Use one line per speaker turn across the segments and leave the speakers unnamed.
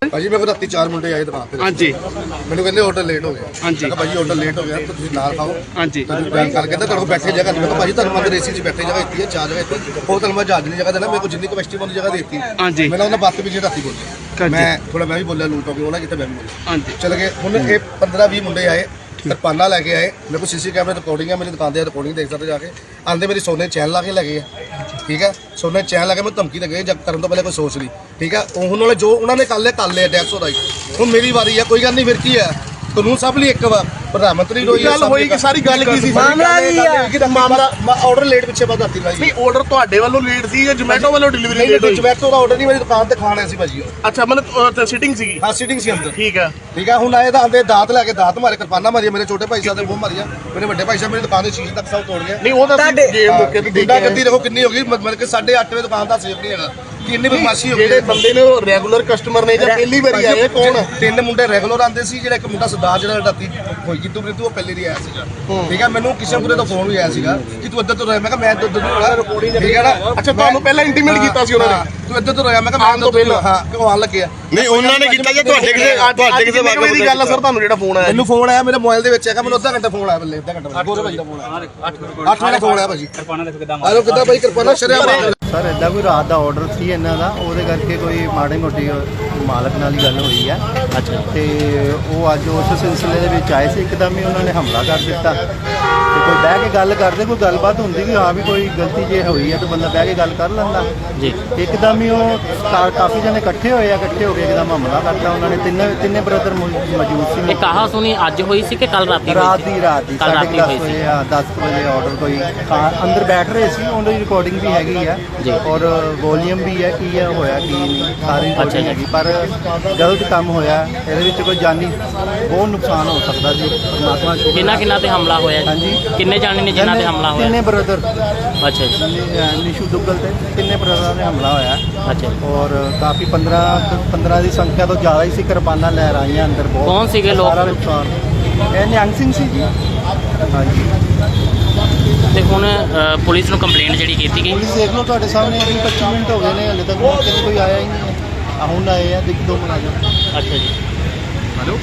ਭਾਜੀ ਮੇਰੇ ਕੋਲ ਰਾਤੀ 4 ਮੁੰਡੇ ਆਏ ਦੁਕਾਨ ਤੇ। ਹਾਂਜੀ। ਮੈਨੂੰ ਕਹਿੰਦੇ ਆਰਡਰ ਲੇਟ ਹੋ ਗਿਆ। ਹਾਂਜੀ। ਮੈਂ ਭਾਜੀ ਆਰਡਰ ਲੇਟ ਹੋ ਗਿਆ ਤਾਂ ਤੁਸੀਂ ਨਾਲ ਖਾਓ। ਹਾਂਜੀ। ਤੁਸੀਂ ਗੱਲ ਕਰ ਕਹਿੰਦਾ ਤੁਹਾਡੇ ਕੋਲ ਬੈਠੇ ਜਗ੍ਹਾ ਨਹੀਂ। ਮੈਂ ਕਿਹਾ ਭਾਜੀ ਤੁਹਾਨੂੰ ਮੈਂ ਏਸੀ 'ਚ ਬੈਠੇ ਜਗ੍ਹਾ ਦਿੱਤੀ ਹੈ, 4 ਜਗ੍ਹਾ ਦਿੱਤੀ। ਉਹ ਤੁਹਾਨੂੰ ਮੈਂ ਜਹਾਜ਼ ਦੀ ਜਗ੍ਹਾ ਦੇਣਾ, ਮੇਰੇ ਕੋਲ ਜਿੰਨੀ ਕਪੈਸਿਟੀ ਵਾਲੀ ਜਗ੍ਹਾ ਦਿੱਤੀ। ਹਾਂਜੀ। ਮੈਨੂੰ ਉਹਨਾਂ ਬਾਤ ਵੀ ਰਾਤੀ ਬੋਲਿਆ। ਮੈਂ ਥੋੜਾ ਮੈਂ ਵੀ ਬੋਲਿਆ ਲੂਟ ਹੋ ਗਿਆ ਉਹਨਾਂ ਕਿਤੇ ਮੈਂ ਵੀ ਬੋਲਿਆ। ਹਾਂਜੀ। ਚਲ ਗਏ ਹੁਣ ਇਹ 15-20 ਮੁੰਡੇ ਆਏ ਕਿਰਪਾਨਾ ਲੈके ਆए। मेरे को सीसी कैमरे रिकॉर्डिंग है, मेरी दुकान पर रिकॉर्डिंग देख सकते जाके। आंदे मेरी सोने चैन ला के लगे है, ठीक है। सोने चैन ला के मैं धमकी लगे जब करने तो पहले कोई सोच ली, ठीक है। उन्होंने जो उन्होंने कर लिया टैक्स होता ही। हूँ मेरी बारी है, कोई गल नहीं, फिर की है कानून सब लिए एक बार प्रधानमंत्री सारी गल की मामला आर्डर लेट पिछे बात आती नहीं आर्डर ਤੁਹਾਡੇ ਵੱਲੋਂ ਲੇਟ ਸੀ ਜਾਂ ਜ਼ੋਮੈਟੋ ਵੱਲੋਂ ਡਿਲੀਵਰੀ ਲੇਟ ਹੋਈ? ਜ਼ੋਮੈਟੋ ਦਾ ਆਰਡਰ ਨਹੀਂ, ਮੇਰੀ ਦੁਕਾਨ ਤੇ ਖਾਣ ਆਏ ਸੀ ਭਾਜੀ। ਅੱਛਾ, ਮਤਲਬ ਸਿਟਿੰਗ ਸੀਗੀ? ਹਾਂ, ਸਿਟਿੰਗ ਸੀ ਅੰਦਰ। ਠੀਕ ਹੈ, ਠੀਕ ਹੈ। ਹੁਣ ਆਏ ਤਾਂ ਆਂਦੇ ਦਾਤ ਲੈ ਕੇ ਦਾਤ ਮਾਰੇ, ਕਿਰਪਾਨਾ ਮਾਰੀ, ਮੇਰੇ ਛੋਟੇ ਭਾਈ ਸਾਹਿਬ ਦੇ ਮੂੰਹ ਮਾਰਿਆ, ਮੇਰੇ ਵੱਡੇ ਭਾਈ ਸਾਹਿਬ ਮੇਰੀ ਦੁਕਾਨ ਦੇ ਸ਼ੀਸ਼ੇ ਤੱਕ ਸਭ ਤੋੜ ਗਿਆ। ਨਹੀਂ ਉਹ ਤਾਂ ਜੇ ਮੌਕੇ ਤੇ ਗੁੰਡਾ ਗੱਦੀ ਦੇਖੋ ਕਿੰਨੀ ਹੋ ਗਈ, ਮਤਲਬ ਕਿ 8:30 ਵਜੇ ਦੁਕਾਨ ਦਾ ਸੇਫ ਨਹੀਂ ਹੈਗਾ। ਕਿੰਨੀ ਬਦਮਾਸ਼ੀ ਹੋ ਗਈ। ਜਿਹੜੇ ਬੰਦੇ ਨੇ ਉਹ ਰੈਗੂਲਰ ਕਸਟਮਰ ਨੇ ਜਾਂ ਪਹਿਲੀ ਵਾਰੀ ਆਏ? ਕੌਣ? 3 ਮੁੰਡੇ ਰੈਗੂਲਰ ਆਉਂਦੇ ਸੀ, ਜਿਹੜਾ ਇੱਕ ਮੁੰਡਾ ਸਰਦਾਰ ਜਿਹੜਾ ਰਾਤੀ ਹੋਈ ਕਿਤੋਂ ਉਹ ਪਹਿਲੇ ਦੀ ਆਇਆ ਸੀਗਾ, ਠੀਕ ਹੈ। ਮੈਨੂੰ ਕਿਸੇ ਮੁੰਡੇ ਤੋਂ ਫੋਨ ਵੀ ਆਇਆ ਸੀਗਾ ਕਿ ਤੂੰ ਇੱਧਰ ਤੋਂ ਰਹਿ। ਮੈਂ ਕਿਹਾ ਮੈਂ ਇੱਧਰ ਤੋਂ ਰਿਕਾਰਡਿੰਗ, ਠੀਕ ਹੈ ਨਾ। ਅੱਛਾ, ਤੁਹਾਨੂੰ ਪਹਿਲਾਂ ਇੰਟੀਮੇਟ ਕੀਤਾ ਸੀ ਉਹਨਾਂ ਨੇ ਤੂੰ ਇੱਧਰ ਤੋਂ ਰਹਿ? ਮੈਂ ਕਿਹਾ ਮੈਂ ਤੋਂ ਪਹਿਲਾਂ ਹਾਂ ਕਿਉਂ ਆਉਣ ਲੱਗਿਆ? ਨਹੀਂ ਉਹਨਾਂ ਨੇ ਕੀਤਾ ਜਾਂ ਤੁਹਾਡੇ ਕਿਸੇ ਬਾਰੇ ਦੀ ਗੱਲ ਹੈ ਸਰ? ਤੁਹਾਨੂੰ ਜਿਹੜਾ ਫੋਨ ਆਇਆ? ਮੈਨੂੰ ਫੋਨ ਆਇਆ ਮੇਰੇ ਮੋਬਾਈਲ ਦੇ ਵਿੱਚ ਹੈਗਾ, ਮੈਨੂੰ ਅੱਧਾ ਘੰਟਾ ਫੋਨ ਆਇਆ, ਬੱਲੇ ਅੱਧਾ ਘੰਟਾ ਗੋਰੇ ਭਾਜੀ ਦਾ ਫੋਨ ਆਇਆ। 8 ਵਜੇ ਫੋਨ ਆਇਆ ਭਾਜੀ। ਕਿਰਪਾਨਾ ਦੇਖੋ ਕਿਦਾਂ ਆਲੋ ਕਿਦਾਂ ਭਾਈ ਕਿਰਪਾਨਾ ਸ਼ਰਿਆ ਸਰ। ਇੱਦਾਂ ਕੋਈ ਰਾਤ ਦਾ ਆਰਡਰ ਸੀ ਇਹਨਾਂ ਦਾ, ਉਹਦੇ ਕਰਕੇ ਕੋਈ ਮਾੜੀ ਮੋਟੀ ਮਾਲਕ ਨਾਲ ਹੀ ਗੱਲ ਹੋਈ ਹੈ। ਅੱਛਾ। ਤੇ ਉਹ ਅੱਜ ਉਸ ਸਿਲਸਿਲੇ ਦੇ ਵਿੱਚ ਆਏ ਸੀ, ਇੱਕਦਮ ਹੀ ਉਹਨਾਂ ਨੇ ਹਮਲਾ ਕਰ ਦਿੱਤਾ। ਤੇ ਕੋਈ ਬਹਿ ਕੇ ਗੱਲ ਕਰਦੇ, ਕੋਈ ਗੱਲਬਾਤ ਹੁੰਦੀ ਵੀ ਹਾਂ ਵੀ ਕੋਈ ਗਲਤੀ ਜੇ ਹੋਈ ਹੈ ਤਾਂ ਬੰਦਾ ਬਹਿ ਕੇ ਗੱਲ ਕਰ ਲੈਂਦਾ ਜੀ। ਇੱਕਦਮ ਹੀ ਉਹ ਕਾਫੀ ਜਣੇ ਇਕੱਠੇ ਹੋਏ ਆ, ਇਕੱਠੇ ਹੋ ਕੇ ਇੱਕਦਮ ਹਮਲਾ ਕਰਤਾ ਉਹਨਾਂ ਨੇ। ਤਿੰਨੇ ਬ੍ਰਦਰ ਮੌਜੂਦ ਸੀ। ਇਹ ਕਹਾ ਸੁਣੀ ਅੱਜ ਹੋਈ ਸੀ ਕਿ ਕੱਲ ਰਾਤੀ? ਰਾਤ ਦੀ 10:30 ਵਜੇ 10 ਵਜੇ ਆਰਡਰ ਕੋਈ ਅੰਦਰ ਬੈਠ ਰਹੇ ਸੀ, ਉਹਦੀ ਰਿਕਾਰਡਿੰਗ ਵੀ ਹੈਗੀ ਆ ਔਰ ਵੋਲੀਅਮ ਵੀ ਹੈ, ਕੀ ਹੈ ਹੋਇਆ ਕੀ ਨਹੀਂ ਸਾਰੀ ਰਿਕਾਰਡਿੰਗ ਹੈਗੀ। ਪਰ ਗਲਤ ਕੰਮ ਹੋਇਆ, ਇਹਦੇ ਵਿੱਚ ਕੋਈ ਜਾਨੀ ਬਹੁਤ ਨੁਕਸਾਨ ਹੋ ਸਕਦਾ ਜੀ। ਪਰਮਾਤਮਾ ਕਿੰਨਾ ਤੇ ਹਮਲਾ ਹੋਇਆ? ਹਾਂਜੀ, ਕਿੰਨੇ ਜਾਣੇ ਨੇ ਜਿਨ੍ਹਾਂ ਤੇ ਹਮਲਾ ਹੋਇਆ? 3 ਬ੍ਰਦਰ। ਅੱਛਾ ਜੀ। ਨਿਸ਼ੂ ਦੁੱਗਲ ਤੇ 3 ਬ੍ਰਦਰਾਂ ਨੇ ਹਮਲਾ ਹੋਇਆ। ਅੱਛਾ। ਔਰ ਕਾਫੀ 15 ਦੀ ਸੰਖਿਆ ਤੋਂ ਜ਼ਿਆਦਾ ਹੀ ਸੀ, ਕਿਰਪਾਨਾਂ ਲੈ ਆਈਆਂ ਅੰਦਰ। ਬਹੁਤ ਕੌਣ ਸੀਗੇ ਲੋਕ? ਸਾਰਾ ਨੁਕਸਾਨ ਇਹ ਨਿਹੰਗ ਸਿੰਘ ਸੀ ਜੀ। ਹਾਂਜੀ। ਤੇ ਹੁਣ ਪੁਲਿਸ ਨੂੰ ਕੰਪਲੇਂਟ ਜਿਹੜੀ ਕੀਤੀ ਗਈ? ਪੁਲਿਸ ਦੇਖ ਲਓ ਤੁਹਾਡੇ ਸਾਹਮਣੇ, 25 ਮਿੰਟ ਹੋ ਗਏ ਨੇ, ਹਲੇ ਤੱਕ ਮੌਕੇ ਤੇ ਕੋਈ ਆਇਆ ਹੀ ਨਹੀਂ ਹੈ। ਹੁਣ ਆਏ ਆ, ਦੇਖ 2 ਮੁਲਾਜ਼ਮ। ਅੱਛਾ ਜੀ। ਹੈਲੋ।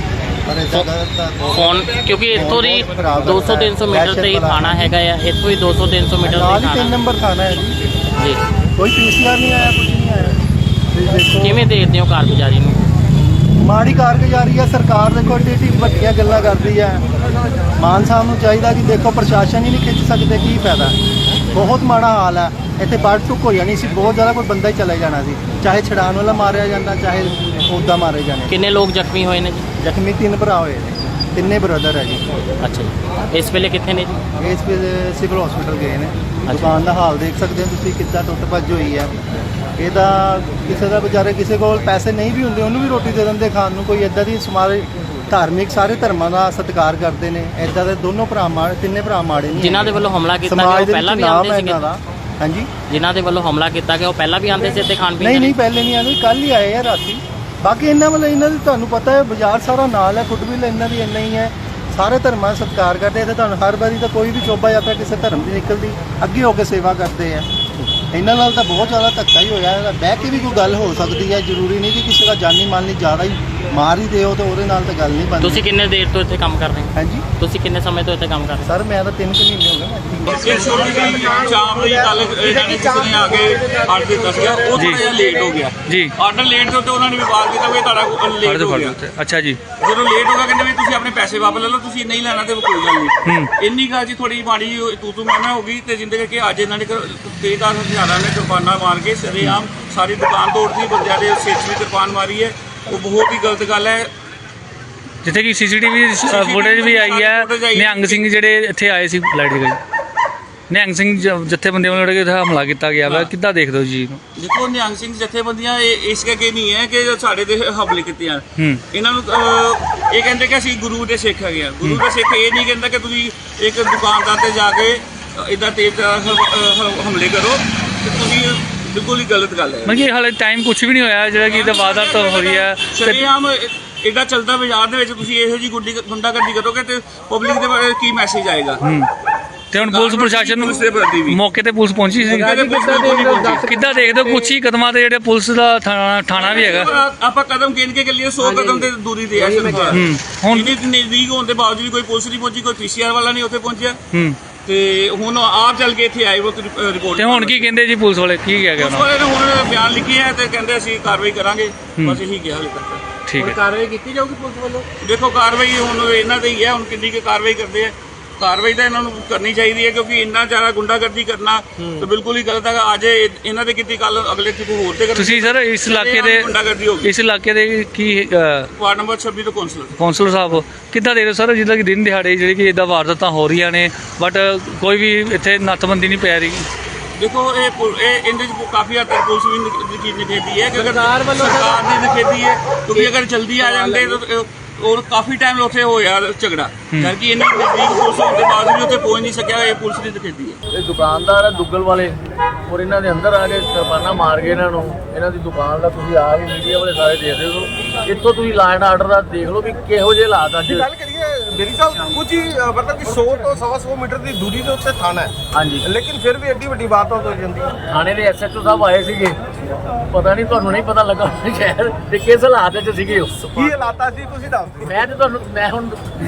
ਫੋਨ ਕਿਉਂਕਿ ਇੱਥੋਂ ਦੀ 200-300 ਮੀਟਰ ਤੇ ਹੀ ਥਾਣਾ ਹੈਗਾ ਆ, ਇੱਥੋਂ ਹੀ 200-300 ਮੀਟਰ ਤੇ 3 ਨੰਬਰ ਥਾਣਾ ਹੈ ਜੀ। ਕੋਈ ਪੀਸੀਆਰ ਨਹੀਂ ਆਇਆ, ਕੁਝ ਨਹੀਂ ਆਇਆ। ਤੁਸੀਂ ਦੇਖੋ ਕਿਵੇਂ ਦੇਖਦੇ ਹੋ ਕਾਰਗੁਜ਼ਾਰੀ ਨੂੰ? ਮਾੜੀ ਕਾਰਗੁਜ਼ਾਰੀ ਹੈ ਸਰਕਾਰ। ਦੇਖੋ ਏਡੀ ਵੱਡੀਆਂ ਗੱਲਾਂ ਕਰਦੀ ਹੈ। ਮਾਨ ਸਾਹਿਬ ਨੂੰ ਚਾਹੀਦਾ ਕਿ ਦੇਖੋ ਪ੍ਰਸ਼ਾਸਨ ਹੀ ਨਹੀਂ ਖਿੱਚ ਸਕਦੇ, ਕੀ ਫਾਇਦਾ। ਬਹੁਤ ਮਾੜਾ ਹਾਲ ਹੈ ਇੱਥੇ। ਬਾੜ ਟੁੱਕ ਹੋ ਜਾਣੀ ਸੀ ਬਹੁਤ ਜ਼ਿਆਦਾ, ਕੋਈ ਬੰਦਾ ਹੀ ਚਲੇ ਜਾਣਾ ਸੀ, ਚਾਹੇ ਛਡਾਉਣ ਵਾਲਾ ਮਾਰਿਆ ਜਾਂਦਾ, ਚਾਹੇ ਉੱਦਾਂ ਮਾਰੇ ਜਾਣੇ। ਕਿੰਨੇ ਲੋਕ ਜ਼ਖਮੀ ਹੋਏ ਨੇ ਜੀ? ਜ਼ਖਮੀ 3 ਭਰਾ ਹੋਏ ਨੇ, 3 ਬ੍ਰਦਰ ਹੈ ਜੀ। ਅੱਛਾ ਜੀ। ਇਸ ਵੇਲੇ ਕਿੱਥੇ ਨੇ ਜੀ? ਇਸ ਵੇਲੇ ਸਿਵਲ ਹਸਪੀਟਲ ਗਏ ਨੇ। ਦੁਕਾਨ ਦਾ ਹਾਲ ਦੇਖ ਸਕਦੇ ਹੋ ਤੁਸੀਂ, ਕਿੱਦਾਂ ਟੁੱਟ ਭੱਜ ਹੋਈ ਹੈ। ਇਹਦਾ ਕਿਸੇ ਦਾ ਵਿਚਾਰੇ ਕਿਸੇ ਕੋਲ ਪੈਸੇ ਨਹੀਂ ਵੀ ਹੁੰਦੇ, ਉਹਨੂੰ ਵੀ ਰੋਟੀ ਦੇ ਦਿੰਦੇ ਖਾਣ ਨੂੰ। ਕੋਈ ਇੱਦਾਂ ਦੀ ਸਮਾਜ ਧਾਰਮਿਕ ਸਾਰੇ ਧਰਮਾਂ ਦਾ ਸਤਿਕਾਰ ਕਰਦੇ ਨੇ। ਇੱਦਾਂ ਦੇ 3 ਭਰਾ ਮਾੜੇ ਨੇ। ਜਿਨ੍ਹਾਂ ਦੇ ਵੱਲੋਂ ਹਮਲਾ ਕੀਤਾ ਗਿਆ ਉਹ ਪਹਿਲਾਂ ਵੀ ਆਉਂਦੇ ਸੀਗੇ? ਹਾਂਜੀ। ਜਿਨ੍ਹਾਂ ਦੇ ਵੱਲੋਂ ਹਮਲਾ ਕੀਤਾ ਗਿਆ ਉਹ ਪਹਿਲਾਂ ਵੀ ਆਉਂਦੇ ਸੀ ਇੱਥੇ ਖਾਣ ਪੀਣ? ਨਹੀਂ, ਪਹਿਲੇ ਨਹੀਂ ਆਉਂਦੇ, ਕੱਲ ਹੀ ਆਏ ਆ ਰਾਤੀ। ਬਾਕੀ ਇਹਨਾਂ ਦੀ ਤੁਹਾਨੂੰ ਪਤਾ ਹੈ ਬਾਜ਼ਾਰ ਸਾਰਾ ਨਾਲ ਹੈ, ਫੁੱਟਵੀਲ ਇਹਨਾਂ ਦੀ ਇੰਨਾ ਹੀ ਹੈ। ਸਾਰੇ ਧਰਮਾਂ ਦਾ ਸਤਿਕਾਰ ਕਰਦੇ ਇੱਥੇ। ਤੁਹਾਨੂੰ ਹਰ ਵਾਰੀ ਤਾਂ ਕੋਈ ਵੀ ਸ਼ੋਭਾ ਯਾਤਰਾ ਕਿਸੇ ਧਰਮ ਦੀ ਨਿਕਲਦੀ, ਅੱਗੇ ਹੋ ਕੇ ਸੇਵਾ ਕਰਦੇ ਆ। ਇਹਨਾਂ ਨਾਲ ਤਾਂ ਬਹੁਤ ਜ਼ਿਆਦਾ ਧੱਕਾ ਹੀ ਹੋਇਆ। ਬਹਿ ਕੇ ਵੀ ਕੋਈ ਗੱਲ ਹੋ ਸਕਦੀ ਹੈ, ਜ਼ਰੂਰੀ ਨਹੀਂ ਕਿ ਕਿਸੇ ਦਾ ਜਾਨੀ ਮਾਲੀ ਜ਼ਿਆਦਾ ਹੀ ਮਾਰ ਹੀ ਦਿਓ ਤੇ ਉਹਦੇ ਨਾਲ ਤਾਂ ਗੱਲ ਨਹੀਂ ਬਣਦੀ। ਤੁਸੀਂ ਕਿੰਨੇ ਦੇਰ ਤੋਂ ਇੱਥੇ ਕੰਮ ਕਰ ਰਹੇ ਹੋ? ਹਾਂਜੀ। ਤੁਸੀਂ ਕਿੰਨੇ ਸਮੇਂ ਤੋਂ ਇੱਥੇ ਕੰਮ ਕਰ ਰਹੇ ਹੋ? ਸਰ ਮੈਂ ਤਾਂ 3 ਮਹੀਨੇ ਹੋ ਗਏ। ਛੋਟੀ ਜਿਹੀ ਸ਼ਾਮ ਦੀ ਗੱਲ ਕਿਸੇ ਨੇ ਆ ਕੇ ਆਰਡਰ ਦਿੱਤਾ ਸੀਗਾ, ਉਹ ਥੋੜਾ ਜਿਹਾ ਲੇਟ ਹੋ ਗਿਆ ਜੀ। ਆਰਡਰ ਲੇਟ ਤੋਂ ਉਹਨਾਂ ਨੇ ਵਿਵਾਦ ਕੀਤਾ ਵੀ ਤੁਹਾਡਾ ਲੇਟ ਹੋ ਗਿਆ। ਅੱਛਾ ਜੀ। ਜਦੋਂ ਲੇਟ ਹੋ ਗਿਆ ਕਹਿੰਦੇ ਵੀ ਤੁਸੀਂ ਆਪਣੇ ਪੈਸੇ ਵਾਪਸ ਲੈ ਲਓ, ਤੁਸੀਂ ਨਹੀਂ ਲੈਣਾ ਤੇ ਕੋਈ ਗੱਲ ਨਹੀਂ। ਇੰਨੀ ਗੱਲ ਜੀ ਥੋੜੀ ਮਾੜੀ ਤੂੰ ਮੈਂ ਹੋ ਗਈ ਤੇ ਜਿੰਦੇ ਕਰਕੇ ਅੱਜ ਇਹਨਾਂ ਨੇ ਤੇਜ਼ਦਾਰ ਹਥਿਆਰਾਂ ਨੇ ਕਿਰਪਾਨਾਂ ਮਾਰ ਕੇ ਸਰੇਆਮ ਸਾਰੀ ਦੁਕਾਨ ਤੋੜਦੀ, ਬੰਦਿਆਂ ਦੇ ਸਿਰ 'ਚ ਵੀ ਕਿਰਪਾਨ ਮਾਰੀ ਹੈ। ਉਹ ਬਹੁਤ ਹੀ ਗਲਤ ਗੱਲ ਹੈ। ਜਿੱਥੇ ਕਿ ਸੀਸੀਟੀਵੀ ਫੁਟੇਜ ਵੀ ਆਈ ਹੈ। ਨਿਹੰਗ ਸਿੰਘ ਜਿਹੜੇ ਇੱਥੇ ਆਏ ਸੀ ਲਾਈਟ ਗਈ, ਨਿਹੰਗ ਸਿੰਘ ਜਥੇਬੰਦੀਆਂ ਵੱਲੋਂ ਜਿਹੜਾ ਹਮਲਾ ਕੀਤਾ ਗਿਆ ਵਾ, ਕਿੱਦਾਂ ਦੇਖਦੇ ਹੋ ਜੀ? ਦੇਖੋ ਨਿਹੰਗ ਸਿੰਘ ਜਥੇਬੰਦੀਆਂ ਇਸ ਕਰਕੇ ਨਹੀਂ ਹੈ ਕਿ ਸਾਡੇ ਤੇ ਹਮਲੇ ਕੀਤੇ ਆ। ਇਹਨਾਂ ਨੂੰ ਇਹ ਕਹਿੰਦੇ ਕਿ ਅਸੀਂ ਗੁਰੂ ਦੇ ਸਿੱਖ ਹੈਗੇ ਆ। ਗੁਰੂ ਦਾ ਸਿੱਖ ਇਹ ਨਹੀਂ ਕਹਿੰਦਾ ਕਿ ਤੁਸੀਂ ਇੱਕ ਦੁਕਾਨਦਾਰ ਤੇ ਜਾ ਕੇ ਇੱਦਾਂ ਤੇਜ਼ ਹਮਲੇ ਕਰੋ, ਤੇ ਤੁਸੀਂ ਬਿਲਕੁਲ ਹੀ ਗਲਤ ਗੱਲ ਹੈ। ਮਤਲਬ ਕਿ ਹਾਲੇ ਟਾਈਮ ਕੁਝ ਵੀ ਨਹੀਂ ਹੋਇਆ ਜਿਹੜਾ ਕਿ ਇਹਦਾ ਵਾਰਦਾਤ ਹੋ ਰਹੀ ਹੈ। ਸ਼ਰੇਆਮ ਇੱਦਾਂ ਚੱਲਦਾ ਬਾਜ਼ਾਰ ਦੇ ਵਿੱਚ ਤੁਸੀਂ ਇਹੋ ਜਿਹੀ ਗੁੰਡਾਗਰਦੀ ਕਰੋਗੇ ਤੇ ਪਬਲਿਕ ਦੇ ਬਾਰੇ ਕੀ ਮੈਸੇਜ ਆਏਗਾ?
ਤੇ ਹੁਣ ਪੁਲਿਸ ਪ੍ਰਸ਼ਾਸਨ ਨੂੰ ਮੌਕੇ ਤੇ ਪੁਲਿਸ ਪਹੁੰਚੀ ਸੀ। ਕਿੱਦਾਂ ਦੇਖਦੇ ਹੋ ਕੁਛ ਹੀ ਕਦਮਾਂ ਤੇ ਜਿਹੜੇ ਪੁਲਿਸ ਦਾ ਥਾਣਾ ਵੀ ਹੈਗਾ?
ਆਪਾਂ ਕਦਮ ਗਿਣ ਕੇ ਚੱਲੀਏ 100 ਕਦਮ ਤੇ ਦੂਰੀ ਤੇ ਹੈ ਸਰਕਾਰ। ਹੁਣ ਨਜ਼ਦੀਕ ਹੋਣ ਦੇ ਬਾਵਜੂਦ ਕੋਈ ਪੁਲਿਸ ਨਹੀਂ ਪਹੁੰਚੀ, ਕੋਈ ਪੀਸੀਆਰ ਵਾਲਾ ਨਹੀਂ ਉੱਥੇ ਪਹੁੰਚਿਆ ਤੇ ਹੁਣ ਆਪ ਚੱਲ ਕੇ ਇੱਥੇ ਆਏ ਉਹ ਰਿਪੋਰਟ।
ਤੇ ਹੁਣ ਕੀ ਕਹਿੰਦੇ ਜੀ ਪੁਲਿਸ ਵਾਲੇ, ਕੀ ਕਹਿ ਗਏ
ਪੁਲਿਸ ਵਾਲੇ ਨੇ ਹੁਣ ਬਿਆਨ ਲਿਖੇ ਹੈ ਤੇ ਕਹਿੰਦੇ ਅਸੀਂ ਕਾਰਵਾਈ ਕਰਾਂਗੇ, ਬਸ ਇਹੀ ਕਿਹਾ ਹਾਲੇ ਤੱਕ।
ਠੀਕ ਹੈ,
ਕਾਰਵਾਈ ਕੀਤੀ ਜਾਊਗੀ ਪੁਲਿਸ ਵੱਲੋਂ?
ਦੇਖੋ ਕਾਰਵਾਈ ਹੁਣ ਇਹਨਾਂ ਤੇ ਹੀ ਹੈ, ਹੁਣ ਕਿੰਨੀ ਕੁ ਕਾਰਵਾਈ ਕਰਦੇ ਆ। ਕਾਰਵਾਈ ਤਾਂ ਇਹਨਾਂ ਨੂੰ ਕਰਨੀ ਚਾਹੀਦੀ ਹੈ ਕਿਉਂਕਿ ਇੰਨਾ ਜ਼ਿਆਦਾ ਗੁੰਡਾਗਰਦੀ ਕਰਨਾ ਤਾਂ ਬਿਲਕੁਲ ਹੀ ਗਲਤ ਹੈ। ਅੱਜ ਇਹਨਾਂ ਦੇ ਕੀਤੀ, ਕੱਲ ਅਗਲੇ ਕਿਸੇ ਹੋਰ ਤੇ
ਤੁਸੀਂ ਸਰ ਇਸ ਇਲਾਕੇ ਦੇ ਇਸ ਇਲਾਕੇ ਦੇ ਕੀ
ਵਾਰਡ ਨੰਬਰ 26 ਤੋਂ
ਕੌਂਸਲਰ ਸਾਹਿਬ ਕਿੱਦਾਂ ਦੇ ਰਹੇ ਸਰ, ਜਿੱਦਾਂ ਕਿ ਦਿਨ ਦਿਹਾੜੇ ਜਿਹੜੀ ਕਿ ਇਦਾਂ ਵਾਰਦਾਤਾਂ ਹੋ ਰਹੀਆਂ ਨੇ ਬਟ ਕੋਈ ਵੀ ਇੱਥੇ ਨੱਥਬੰਦੀ ਨਹੀਂ ਪੈ ਰਹੀ?
ਦੇਖੋ ਇਹ ਇਹਦੇ ਚ ਕਾਫੀ ਹੱਦ ਤੱਕ ਪੁਲਿਸ ਵੀ ਨਿਖੇਧੀ ਹੈ ਕਿ ਅਗਰ ਸਰਕਾਰ ਦੀ ਨਿਖੇਧੀ ਹੈ ਕਿਉਂਕਿ ਅਗਰ ਜਲਦੀ ਆ ਜਾਂਦੇ ਤਾਂ ਔਰ ਕਾਫੀ ਟਾਈਮ ਉੱਥੇ ਹੋਇਆ ਝਗੜਾ ਕਰਕੇ ਇਹਨਾਂ ਨਜ਼ਦੀਕ ਪੁਲਿਸ ਹੋਣ ਦੇ ਬਾਅਦ ਵੀ ਉੱਥੇ ਪਹੁੰਚ ਨਹੀਂ ਸਕਿਆ। ਇਹ ਪੁਲਿਸ ਦੀ ਨਿਖੇਧੀ ਹੈ।
ਇਹ ਦੁਕਾਨਦਾਰ ਹੈ ਦੁੱਗਲ ਵਾਲੇ ਔਰ ਇਹਨਾਂ ਦੇ ਅੰਦਰ ਆ ਕੇ ਕਿਰਪਾਨਾਂ ਮਾਰ ਗਏ ਇਹਨਾਂ ਨੂੰ। ਇਹਨਾਂ ਦੀ ਦੁਕਾਨ ਦਾ ਤੁਸੀਂ ਆ ਕੇ ਮੀਡੀਆ ਵਾਲੇ ਸਾਰੇ ਦੇਖਦੇ ਹੋ। ਇੱਥੋਂ ਤੁਸੀਂ ਲਾਅ ਐਂਡ ਆਰਡਰ ਦਾ ਦੇਖ ਲਓ ਵੀ ਕਿਹੋ ਜਿਹੇ ਹਾਲਾਤ ਅੱਜ।
ਗੱਲ ਕਰੀਏ ਮੇਰੀ ਸਾਹਿਬ ਕੁਝ ਹੀ ਮਤਲਬ ਕਿ 100 ਤੋਂ 125 ਮੀਟਰ ਦੀ ਦੂਰੀ ਦੇ ਉੱਤੇ ਥਾਣਾ ਹੈ।
ਹਾਂਜੀ,
ਲੇਕਿਨ ਫਿਰ ਵੀ ਐਡੀ ਵੱਡੀ ਬਾਤ ਹੋ ਜਾਂਦੀ ਹੈ।
ਥਾਣੇ ਦੇ ਐਸਐਚਓ ਸਾਹਿਬ ਆਏ ਸੀਗੇ, ਪਤਾ ਨਹੀਂ ਤੁਹਾਨੂੰ ਨਹੀਂ ਪਤਾ ਲੱਗਾ ਸ਼ਹਿਰ ਦੇ ਕਿਸ ਹਾਲਾਤ ਵਿੱਚ ਸੀਗੇ ਉਹ।
ਕੀ ਹਾਲਾਤਾਂ ਸੀ ਤੁਸੀਂ ਦੱਸ ਦਿਓ।
ਮੈਂ ਹੁਣ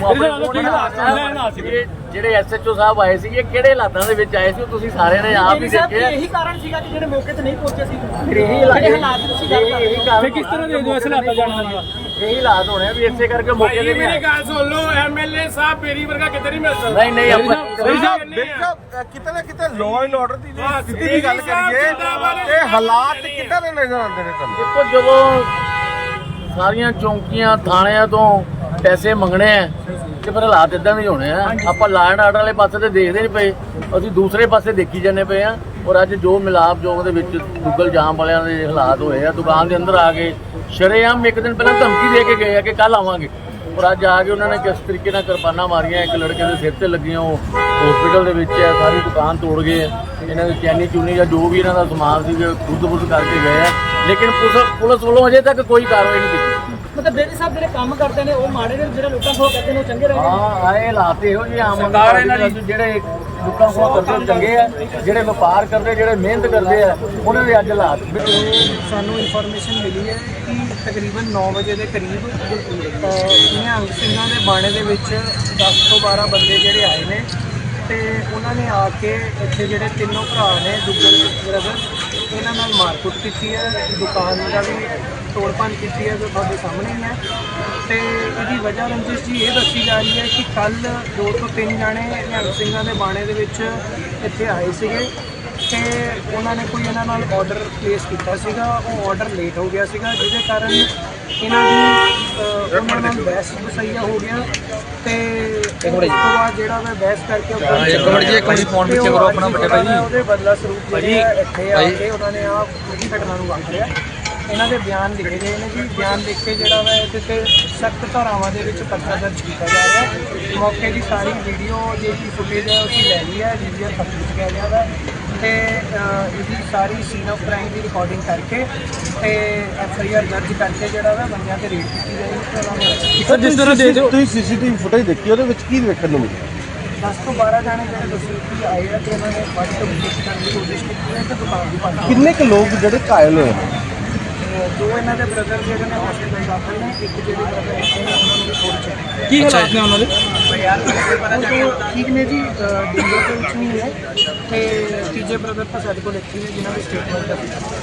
ਜਿਹੜੇ ਐਸਐਚਓ ਸਾਹਿਬ ਆਏ ਸੀਗੇ ਕਿਹੜੇ ਹਾਲਾਤਾਂ ਦੇ ਵਿੱਚ ਆਏ ਸੀ ਤੁਸੀਂ ਸਾਰਿਆਂ ਨੇ ਆਪ ਹੀ ਦੇਖਿਆ।
ਇਹੀ ਕਾਰਨ ਸੀਗਾ ਕਿ ਜਿਹੜੇ ਮੌਕੇ ਤੇ ਨਹੀਂ ਪਹੁੰਚੇ ਸੀ।
ਇਹੀ
ਹਾਲਾਤ ਤੁਸੀਂ ਗੱਲ ਕਰ ਰਹੇ ਹੋ।
ਫਿਰ ਕਿਸ ਤਰ੍ਹਾਂ ਦੇ ਜੋ ਹਾਲਾਤਾਂ ਜਾਣਾਂਗੇ? ਇਹੀ ਹਾਲਾਤ ਹੋਣੇ ਵੀ ਇਸੇ ਕਰਕੇ ਮੌਕੇ ਤੇ
ਮੇਰੀ ਗੱਲ ਸੁਣ ਲਓ, ਐਮਐਲਏ ਸਾਹਿਬ ਮੇਰੀ ਵਰਗਾ ਕਿਤੇ ਨਹੀਂ ਮਿਲ ਸਕਦਾ।
ਨਹੀਂ ਆਪਾਂ
ਕਿਤੇ ਨਾ ਕਿਤੇ ਲਾਅ ਐਂਡ ਆਰਡਰ ਦੀ ਸਥਿਤੀ ਦੀ ਗੱਲ ਕਰੀਏ ਤੇ ਹਾਲਾਤ ਕਿੱਦਾਂ ਦੇ ਨਜ਼ਰ ਆਉਂਦੇ ਨੇ ਤੁਹਾਨੂੰ?
ਦੇਖੋ ਜਦੋਂ ਸਾਰੀਆਂ ਚੌਂਕੀਆਂ ਥਾਣਿਆਂ ਤੋਂ ਪੈਸੇ ਮੰਗਣੇ ਆ ਤੇ ਫਿਰ ਹਾਲਾਤ ਇਦਾਂ ਦੇ ਹੋਣੇ ਆ। ਆਪਾਂ ਲਾਅ ਐਂਡ ਆਰਡਰ ਵਾਲੇ ਪਾਸੇ ਤੇ ਦੇਖਦੇ ਨਹੀਂ ਪਏ, ਅਸੀਂ ਦੂਸਰੇ ਪਾਸੇ ਦੇਖੀ ਜਾਂਦੇ ਪਏ ਆ। ਔਰ ਅੱਜ ਜੋ ਮਿਲਾਪ ਜੋਗ ਦੇ ਵਿੱਚ ਦੁੱਗਲ ਜਾਮ ਵਾਲਿਆਂ ਦੇ ਹਾਲਾਤ ਹੋਏ ਆ, ਦੁਕਾਨ ਦੇ ਅੰਦਰ ਆ ਕੇ ਸ਼ਰੇਆਮ ਇੱਕ ਦਿਨ ਪਹਿਲਾਂ ਧਮਕੀ ਦੇ ਕੇ ਗਏ ਆ ਕਿ ਕੱਲ ਆਵਾਂਗੇ ਔਰ ਅੱਜ ਆ ਕੇ ਉਹਨਾਂ ਨੇ ਕਿਸ ਤਰੀਕੇ ਨਾਲ ਕਿਰਪਾਨਾਂ ਮਾਰੀਆਂ। ਇੱਕ ਲੜਕੇ ਦੇ ਸਿਰ ਤੇ ਲੱਗੀਆਂ, ਉਹ ਹਸਪੀਟਲ ਦੇ ਵਿੱਚ ਹੈ। ਸਾਰੀ ਦੁਕਾਨ ਤੋੜ ਗਏ, ਇਹਨਾਂ ਦੀ ਚੈਨੀ ਚੂਨੀ ਜਾਂ ਜੋ ਵੀ ਇਹਨਾਂ ਦਾ ਸਮਾਨ ਸੀ ਖੁਦ ਕਰਕੇ ਗਏ ਆ। ਲੇਕਿਨ ਪੁਲਿਸ ਵੱਲੋਂ ਅਜੇ ਤੱਕ ਕੋਈ ਕਾਰਵਾਈ ਨਹੀਂ ਕੀਤੀ।
ਮਤਲਬ ਬੇਦੀ ਸਾਹਿਬ ਜਿਹੜੇ ਕੰਮ ਕਰਦੇ ਨੇ ਉਹ ਮਾੜੇ ਨੇ, ਜਿਹੜੇ ਲੋਕਾਂ ਕੋਲ ਕਹਿੰਦੇ ਨੇ ਉਹ ਚੰਗੇ ਰਹਿੰਦੇ ਨੇ।
ਹਾਂ ਆਏ ਹਾਲਾਤ ਇਹੋ ਜਿਹੇ ਆਮ ਜਿਹੜੇ ਲੋਕਾਂ ਕੋਲ ਕਰਦੇ ਚੰਗੇ ਆ, ਜਿਹੜੇ ਵਪਾਰ ਕਰਦੇ, ਜਿਹੜੇ ਮਿਹਨਤ ਕਰਦੇ ਆ, ਉਹਨਾਂ ਦੇ ਅੱਜ ਹਾਲਾਤ।
ਸਾਨੂੰ ਇਨਫੋਰਮੇਸ਼ਨ ਮਿਲੀ ਹੈ ਕਿ ਤਕਰੀਬਨ 9 ਵਜੇ ਦੇ ਕਰੀਬ ਨਿਹੰਗ ਸਿੰਘਾਂ ਦੇ ਬਾਣੇ ਦੇ ਵਿੱਚ 10 ਤੋਂ 12 ਬੰਦੇ ਜਿਹੜੇ ਆਏ ਨੇ ਤੇ ਉਹਨਾਂ ਨੇ ਆ ਕੇ ਇੱਥੇ ਜਿਹੜੇ ਤਿੰਨੋਂ ਭਰਾ ਨੇ ਦੁੱਗਲ ਬ੍ਰਦਰ, ਇਹਨਾਂ ਨਾਲ ਮਾਰਕੁੱਟ ਕੀਤੀ ਹੈ। ਦੁਕਾਨ ਦਾ ਵੀ ਤੋੜਪਾਨ ਕੀਤੀ ਹੈ ਜੋ ਤੁਹਾਡੇ ਸਾਹਮਣੇ ਹੀ ਹੈ। ਤੇ ਇਹਦੀ ਵਜ੍ਹਾ ਰੰਜਿਸ਼ ਜੀ ਇਹ ਦੱਸੀ ਜਾ ਰਹੀ ਹੈ ਕਿ ਕੱਲ 2 ਤੋਂ 3 ਜਾਣੇ ਨਿਹੰਗ ਸਿੰਘਾਂ ਦੇ ਬਾਣੇ ਦੇ ਵਿੱਚ ਇੱਥੇ ਆਏ ਸੀਗੇ ਤੇ ਉਹਨਾਂ ਨੇ ਕੋਈ ਇਹਨਾਂ ਨਾਲ ਆਰਡਰ ਪਲੇਸ ਕੀਤਾ ਸੀਗਾ। ਉਹ ਆਰਡਰ ਲੇਟ ਹੋ ਗਿਆ ਸੀਗਾ, ਜਿਹਦੇ ਕਾਰਨ ਇਹਨਾਂ ਦੀ ਉਹਨਾਂ ਨਾਲ ਬਹਿਸ ਵਸਈਆ ਹੋ ਗਿਆ ਤੇ ਉਸ ਤੋਂ ਬਾਅਦ ਜਿਹੜਾ ਮੈਂ ਬਹਿਸ ਕਰਕੇ ਉਹਦੇ ਬਦਲਾ ਸਰੂਪ ਇੱਥੇ ਆ ਕੇ ਉਹਨਾਂ ਨੇ ਆ ਪੂਰੀ ਘਟਨਾ ਨੂੰ ਵਾਪਰਿਆ। ਇਹਨਾਂ ਦੇ ਬਿਆਨ ਲਿਖੇ ਗਏ ਨੇ ਜੀ। ਬਿਆਨ ਲਿਖ ਕੇ ਜਿਹੜਾ ਵਾ ਇਹਦੇ ਤੇ ਸਖਤ ਧਾਰਾਵਾਂ ਦੇ ਵਿੱਚ ਪਰਚਾ ਦਰਜ ਕੀਤਾ ਜਾ ਰਿਹਾ। ਮੌਕੇ ਦੀ ਸਾਰੀ ਵੀਡੀਓ ਜਿਹੜੀ ਫੁਟੇਜ ਹੈ ਅਸੀਂ ਲੈ ਲਈ ਹੈ, ਵੀਡੀਓ ਤੱਕ ਵਿੱਚ ਗਿਆ ਗਿਆ ਵਾ ਤੇ ਇਹਦੀ ਸਾਰੀ ਸੀਨ ਆਫ ਕ੍ਰਾਈਮ ਦੀ ਰਿਕਾਰਡਿੰਗ ਕਰਕੇ ਤੇ ਐਫਆਈਆਰ ਦਰਜ ਕਰਕੇ ਜਿਹੜਾ ਵਾ ਬੰਦਿਆਂ ਤੇ ਰੇਡ ਕੀਤੀ ਜਾਏਗੀ।
ਸਰ ਜਿਸ ਤਰ੍ਹਾਂ ਤੁਸੀਂ ਸੀਸੀਟੀਵੀ ਫੁਟੇਜ ਦੇਖੀ ਉਹਦੇ ਵਿੱਚ ਕੀ ਵੇਖਣ ਨੂੰ ਮਿਲਿਆ?
10 ਤੋਂ 12 ਜਾਣੇ ਜਿਹੜੇ ਦੱਸੋ ਕਿ ਆਏ ਆ ਤੇ ਉਹਨਾਂ ਨੇ ਵੱਧ ਤੋਂ ਕੋਸ਼ਿਸ਼ ਕਰਨ ਦੀ ਕੋਸ਼ਿਸ਼ ਕੀਤੀ ਹੈ ਤੇ ਦੁਕਾਨ ਦੀ ਭੰਨ
ਕਿੰਨੇ ਕੁ ਲੋਕ ਜਿਹੜੇ ਘਾਇਲ ਹੋਏ?
ਦੋ ਇਹਨਾਂ ਦੇ ਬ੍ਰਦਰ ਜਿਹੜੇ ਨੇ ਹਸਪੀਟਲ ਦਾਖਲ ਨੇ, ਇੱਕ ਜਿਹੜੇ ਬ੍ਰਦਰ ਇੱਥੇ ਨੇ ਉਹਨਾਂ ਨੂੰ ਵੀ ਥੋੜੀ ਚੈੱਕ।
ਕੀ ਹਾਲਾਤ ਨੇ ਉਹਨਾਂ ਦੇ?
ਠੀਕ ਨੇ ਜੀ, ਡੇਂਜਰ ਦੇ ਵਿੱਚ ਨਹੀਂ ਹੈ ਤੇ ਤੀਜੇ ਬ੍ਰਦਰ ਤਾਂ ਸਾਡੇ ਕੋਲ ਇੱਥੇ ਨੇ ਜਿਨ੍ਹਾਂ ਦੀ ਸਟੇਟਮੈਂਟ ਹੈ।